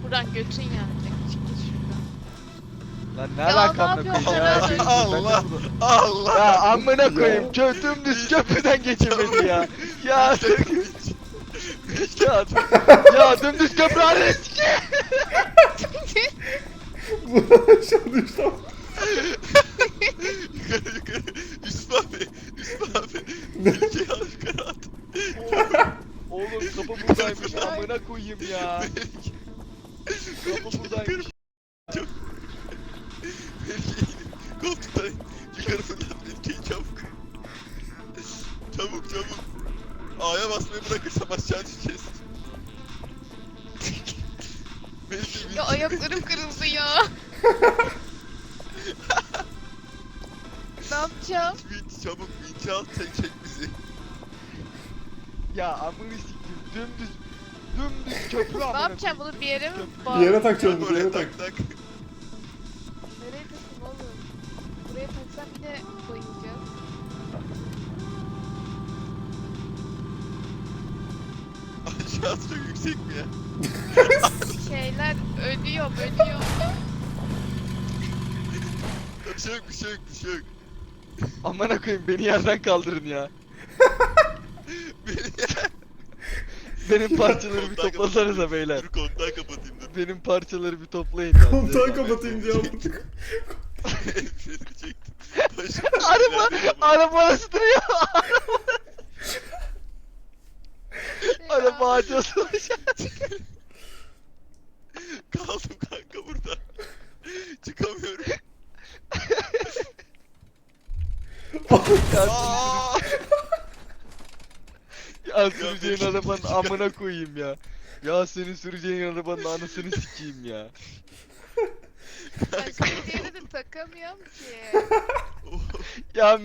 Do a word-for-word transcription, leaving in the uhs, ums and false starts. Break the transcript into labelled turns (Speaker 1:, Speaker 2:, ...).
Speaker 1: buradan götün yanacak. Çık git şuradan.
Speaker 2: Lan ne
Speaker 1: Ya
Speaker 2: alakam
Speaker 1: ne
Speaker 2: yok ya?
Speaker 1: yapıyorsun sen?
Speaker 3: Allah Allah.
Speaker 2: Ya amına koyayım kö dümdüz köprüden geçemedi ya. Ya ya, ya dümdüz köprü arası sikeyim.
Speaker 4: Bu aşağı düştü ama.
Speaker 3: Yukarı yukarı. Yusuf abi. Yusuf abi. Melike'yi al yukarı at.
Speaker 2: Oğlum kapı buradaymış amına koyayım ya. Kapı buradaymış.
Speaker 3: Çok. Melike'yi koltuktan yukarı fırlat Melike'yi çabuk. Çabuk çabuk. A'ya basmayı bırakırsam aşağı düşeceğiz. Melike
Speaker 1: Ya
Speaker 3: Melike-
Speaker 1: ayaklarım kırıldı ya. Ne yapacağım?
Speaker 3: Vinç çabuk vinç al çek çek bizi.
Speaker 2: Ya amına sikeyim dümdüz dümdüz köprü amına
Speaker 1: Ne yapacağım
Speaker 2: koyayım.
Speaker 1: bunu bir yere mi
Speaker 2: Köprü.
Speaker 1: bağlı?
Speaker 4: Bir yere takacağım,
Speaker 3: Çabuk
Speaker 4: bir yere
Speaker 3: oraya
Speaker 4: tak.
Speaker 3: tak tak.
Speaker 1: Nereye takayım oğlum? Buraya taksam yine bayılacağız.
Speaker 3: Aşağısı çok yüksek mi ya?
Speaker 1: Şeyler ölüyor, ölüyor.
Speaker 3: Bir şey yok bir şey yok bir şey yok.
Speaker 2: Amına koyayım beni yerden kaldırın ya.
Speaker 3: Beni
Speaker 2: Benim parçaları bir
Speaker 3: Kontağı
Speaker 2: toplasanıza
Speaker 3: kapatayım.
Speaker 2: beyler.
Speaker 3: Dur kontağı kapatayım dur.
Speaker 2: Benim parçaları bir toplayın ya.
Speaker 4: Kontağı kapatayım diye yaptık.
Speaker 3: Seni çektim. Başım
Speaker 2: Araba, araba nasıl duruyor? Araba ağaca asılmış.
Speaker 3: Kaldım kanka burada. Çıkamıyorum. Aa!
Speaker 2: Ya süreceğin
Speaker 3: benim-
Speaker 2: arabanın amına koyayım ya. Ya senin süreceğin arabanın anasını sikeyim ya.
Speaker 1: Başka bir yere de takamıyorum ki.
Speaker 3: Oh.
Speaker 2: Ya